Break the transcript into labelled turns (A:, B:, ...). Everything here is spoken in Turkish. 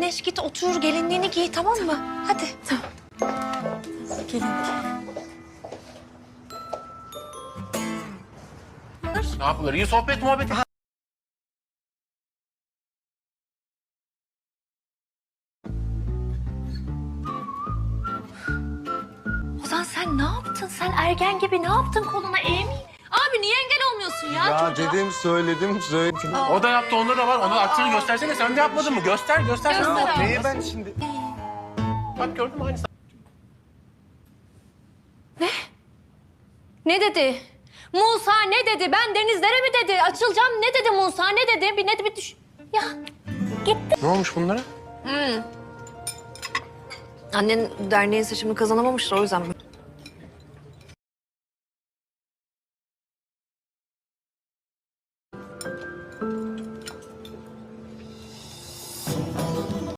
A: Güneş git otur gelinliğini giy tamam mı? Hadi. Tamam. Gelinlik.
B: Ne yapılır? İyi sohbet muhabbet.
A: Ozan sen ne yaptın? Sen ergen gibi ne yaptın koluna Amy? Abi niye engel olmuyorsun ya,
C: Ya
A: çocuğa?
C: dedim, söyledim.
B: O da yaptı, onda da var. Onun aksini göstersene. Sen de yapmadın mı? Göster.
A: Göster abi.
C: Neyi ben şimdi?
B: Bak gördün mü aynısı.
A: Ne dedi? Musa ne dedi? Ben denizlere mi dedi? Açılacağım ne dedi Musa? Ne dedi? Bir düş... Ya gitti.
B: Ne olmuş bunlara?
A: Annen derneğin seçimini kazanamamıştır o yüzden mi?